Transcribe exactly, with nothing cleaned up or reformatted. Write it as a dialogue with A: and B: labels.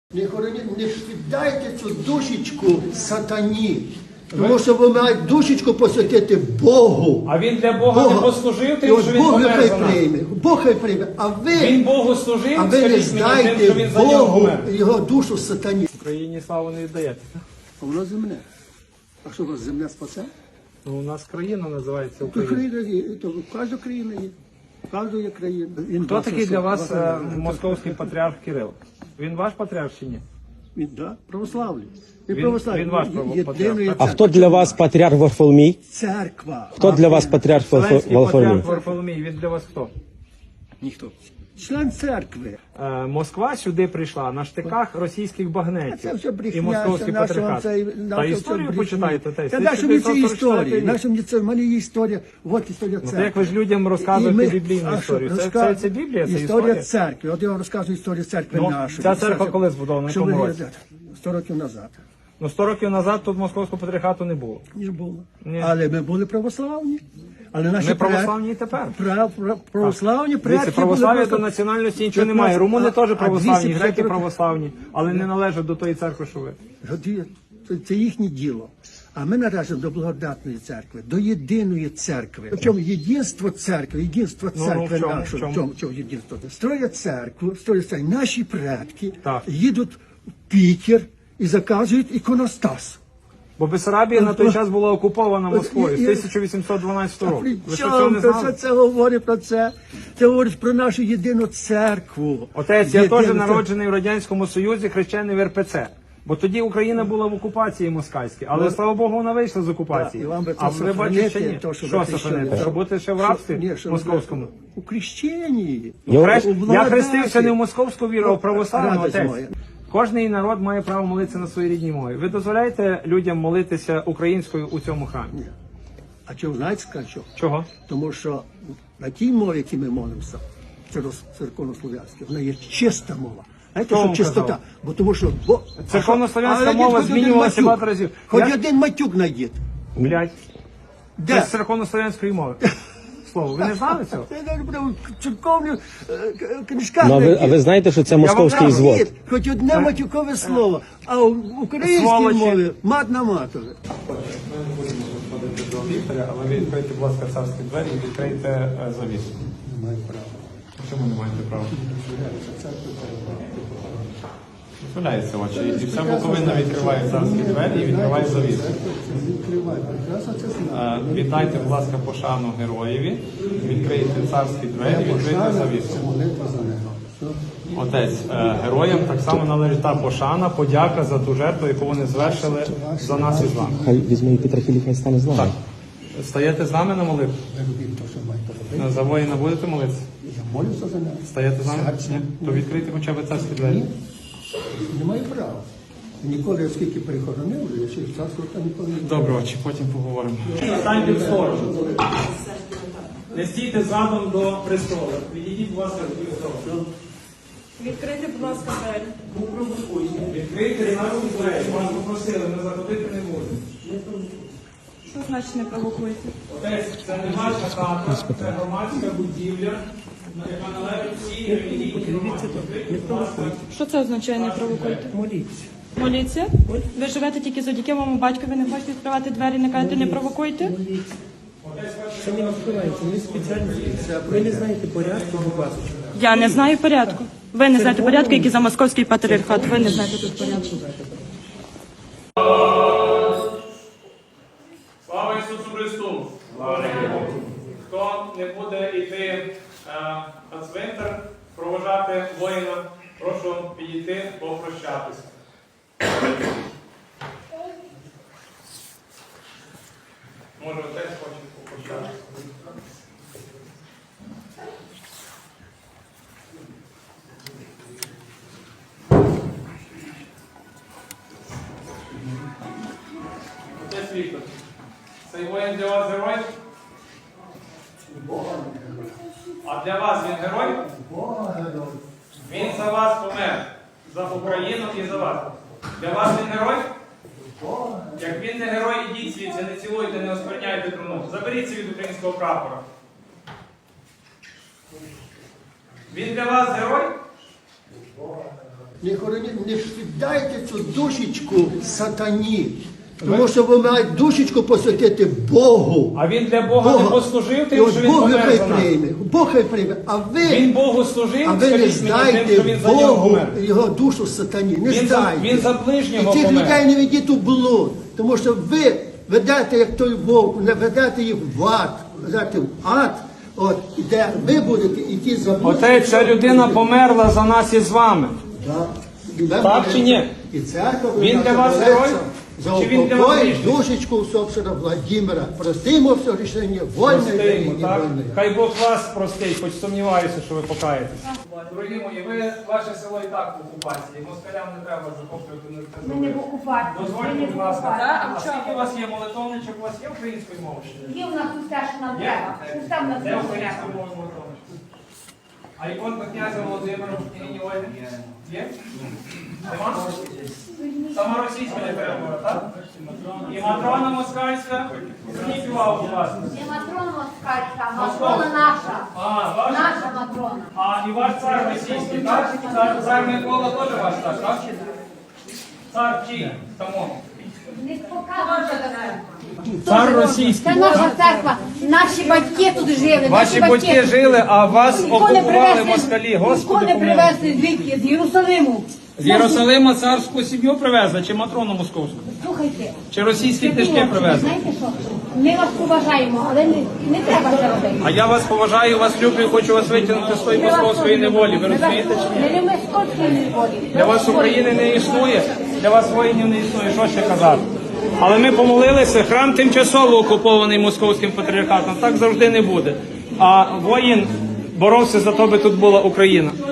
A: Не хороніть, не віддайте цю душечку сатані. Тому що ви маєте душечку посвятити Богу.
B: А він для Бога, Бога. не послужив тим, що він
A: Бог
B: помер
A: хай
B: за нас.
A: прийме. Бог хай прийме. А ви,
B: він Богу служив,
A: а ви не здайте
B: тим,
A: Богу його душу сатані.
B: В Україні славу не віддаєте.
A: А воно земне. А що у вас земля спасе?
B: Ну, у нас країна називається Україна.
A: Україна є, то кожна країна є. Кожна є країна. Він
B: Хто такий для вас
A: е,
B: московський патріарх Кирил? Він ваш патріарх чи ні?
A: Він, да, православний. Він,
B: Він-
A: православний.
B: він ваш
A: Є-
B: право-
A: єдиної
B: патріарх.
C: А хто для вас патріарх Варфоломій?
A: Церква.
C: Хто для вас патріарх
B: Вселенський
C: Варфоломій?
B: патріарх Варфоломій, він для вас хто?
A: Ніхто. Член церкви.
B: Е, Москва сюди прийшла на штиках російських
A: Це
B: багнетів
A: все брехня,
B: і московський
A: це наша
B: патріархат.
A: цей-
B: Та
A: наша
B: історію
A: це
B: почитайте.
A: брехня.
B: Та,
A: Та наша мені це історія.
B: історія.
A: Наша мені це, в мене є історія. От історія
B: Ну,
A: церкви.
B: то як ви ж людям розказуєте
A: І ми-
B: біблійну
A: а що,
B: історію? Це,
A: розказ-
B: це, це Біблія, це
A: історія
B: історія?
A: церкви. От я вам розказую історію церкви
B: Ну,
A: нашої.
B: ця церква коли збудована, в
A: Що
B: якому
A: ви
B: році?
A: говорите? Сто років назад.
B: Ну, сто років назад тут московського патріархату не було.
A: Не було.
B: Ні.
A: Але ми були православні. Але наші
B: Ми
A: пред-
B: православні і тепер.
A: Прав, прав, православні предки
B: Дивіться, православ'я
A: були
B: до
A: просто-
B: національності нічого
A: п'ятнадцять
B: немає. Румуни
A: а-
B: теж
A: а
B: православні,
A: двісті п'ятдесят
B: греки
A: років-
B: православні, але не належать до тої церкви, що ви.
A: Годі- Це, це їхнє діло. А ми належимо до благодатної церкви, до єдиної церкви. В чому єдинство церкви, єдинство
B: Ну,
A: церкви
B: ну, в чому,
A: нашої,
B: в чому?
A: в чому, в чому єдинство? Строять церкву, строять церкву. Наші предки
B: Так.
A: їдуть в Пітер і заказують іконостас.
B: Бо Бессарабія на той час була окупована Москвою з
A: і-
B: тисяча вісімсот дванадцятого року.
A: При
B: Ви що цього
A: чому
B: не
A: це,
B: знали?
A: це говорить про це? Це говорить про нашу єдину церкву.
B: Отець, я
A: Єдину
B: теж
A: церкву.
B: народжений в Радянському Союзі, хрещений в ер пе це. Бо тоді Україна була в окупації москальській, але
A: Ну,
B: слава Богу, вона вийшла з окупації.
A: І вам би це
B: А ви бачите, ще ні.
A: то, що
B: Що
A: ви
B: сохранити?
A: хрещені.
B: Що бути ще в
A: Що-
B: рабстві
A: ні, що ви-
B: московському?
A: У хрещенні.
C: Я-
B: Хрест-
A: У
B: Я
A: благодаті.
B: хрестився не в московську віру, а в православну,
A: Радость
B: отець.
A: моя.
B: Кожний народ має право молитися на своїй рідній мові. Ви дозволяєте людям молитися українською у цьому храмі?
A: А чого знаєте, що?
B: Чого?
A: Тому що на тій мові, якій ми молимося, це церковнослов'янська, вона є чиста мова. Знаєте,
B: Хто
A: що
B: вам
A: чистота?
B: казав?
A: Бо тому що бо
B: Церковнослов'янська
A: Але
B: мова
A: хоч один
B: змінювалася
A: матюк.
B: багато разів.
A: Хоч
B: Я-
A: один матюк знайдіть.
B: Блять.
A: Де?
B: Це з церковнослов'янської мови. Слово, ви не знали цього?
A: Це навіть прямо в церковних е, к- книжках
C: Ну, а, ви, а
A: знайдіть.
C: ви знаєте, що це московський
B: вам
C: звод?
A: Знайдіть Хоч одне матюкове слово, а в українській
B: Сволочі.
A: мові мат на матове.
B: Ми не будемо входити до лікаря, але ви відкрийте, будь ласка, царські двері і відкрийте е, завісу.
A: Не маю права.
B: Чому не маєте права? Дозволяється очі. І вся Буковина відкриває царські двері і відкриває завісу.
A: Відкривай, прекрасно це знаю.
B: Е, Віддайте, будь ласка, пошану героєві, відкрийте царські двері, відкрийте завісу.
A: Молитва за нього.
B: Отець, е, героям так само належить та пошана, подяка за ту жертву, яку вони звершили за нас і з вами.
C: Хай візьме і Петрохілі, хай стане з нами.
B: Так. Стаєте з нами на молитву?
A: Ви робіть те, що маєте робити.
B: За воїна будете молитися?
A: Я молюся за нього.
B: Стаєте з нами?
A: Серцем.
B: Ні? То відкрийте хоча б царські двері.
A: Не маю права. Ніколи, оскільки перехоронив, я ще в царство там ніколи не
B: Добре, очі, потім поговоримо. Станьте в сторону. Не стійте задом до престолу. Відійдіть, будь ласка, до сторону.
D: Відкрийте, будь ласка, двері.
B: Відкрийте наші двері. Вас попросили, ми заходити не будемо.
D: Що значить не провокуєте?
B: Отець, це не ваша хата, це громадська будівля, яка належить всій релігійній громаді.
D: Що це означає не провокуйте?
A: моліться.
D: Моліться? Ви живете тільки завдяки моєму батькові, не хочете відкривати двері, не кажете не провокуйте?
E: Це не відкривається, ми спеціально. Ви не знаєте порядку, будь ласка.
D: Я не знаю порядку. Ви не знаєте порядку, який за московський патріархат. Ви не знаєте тут порядку.
B: Слава Ісусу Христу! Хто не буде йти е, на цвинтар, провожати воїна, прошу підійти, попрощатися. Може, отець хоче попрощатися. Отець Віктор, цей воїн для вас герой? А для вас він герой? Він за вас помер. За Україну і за вас. Для вас він герой? Як він не герой, ідіть звідси, не цілуйте, не оскверняйте труну. Заберіться від українського прапора. Він для вас герой?
A: Не хороніть, не віддайте цю душечку сатані. Тому що ви маєте душечку посвятити Богу.
B: А він для Бога не послужив
A: І
B: тим,
A: от
B: що він
A: Бог
B: помер
A: хай
B: за нас.
A: прийме. Бог хай прийме. А ви,
B: Він Богу служив,
A: а ви не
B: скажіть мені, тим, що
A: здайте
B: він за нього
A: Богу
B: помер.
A: його душу сатані. Не
B: Він за-
A: здайте.
B: він за ближнього
A: І тих
B: помер.
A: людей не ведіть у блуд. Тому що ви ведете, як той вовк, не ведете їх в ад. Ведете в ад, от, де ви будете йти за Богом.
B: Отець, ця людина померла за нас і з вами.
A: Да. І ви
B: Так
A: будете-
B: чи ні?
A: І церква
B: Він
A: наша
B: для вас
A: молиться
B: герой?
A: за
B: Чи він для вас
A: упокой
B: грішник?
A: душечку усопшего Владимира. Простимо все рішення, вольне і
B: Простимо, так?
A: невольне.
B: Хай Бог вас простить, хоч сумніваюся, що ви покаєтесь. Дорогі мої, ви, ваше село і так в окупації. Москалям не треба захоплювати на
F: Ми не в окупації. Ми
B: Дозвольте,
F: не в
B: будь ласка.
F: окупації.
B: А скільки у вас є молитовничок? У вас є українською мовою?
F: Є у нас усе, що нам
B: Є?
F: треба. Усе в нас
B: Де
F: треба.
B: українською мовою молитовничок? А іконка князя Володимира в княгині Ольги? Є? Нема? Сама російська не треба, так? І Матрона Москальська? Зверніть увагу, будь ласка.
F: Не Матрона москальська, а Матрона наша.
B: А, ваша?
F: Наша Матрона.
B: А і ваш цар російський, так? Цар, цар Микола теж ваш цар, так? Цар чий? Тому.
F: Не показуйте таке.
B: Цар російський.
F: Це наша церква. Наші батьки тут жили.
B: Ваші батьки жили, а вас окупували москалі. Господи,
F: не
B: помилуй.
F: привезли звідки? З Єрусалиму.
B: З Єрусалима царську сім'ю привезли, чи Матрону московську?
F: Слухайте.
B: Чи російські
F: Святі
B: книжки
F: отче,
B: привезли?
F: знаєте що? Ми вас поважаємо, але не, не треба це робити.
B: А я вас поважаю, вас люблю і хочу вас витягнути з тої
F: Ми вас
B: московської
F: дуже
B: неволі. Ви
F: любимо.
B: розумієте чи ні?
F: Ми не московської неволі.
B: Для вас України не існує, для вас воїнів не існує, що ще казати. Але ми помолилися, храм тимчасово окупований московським патріархатом, так завжди не буде. А воїн боровся за те, би тут була Україна.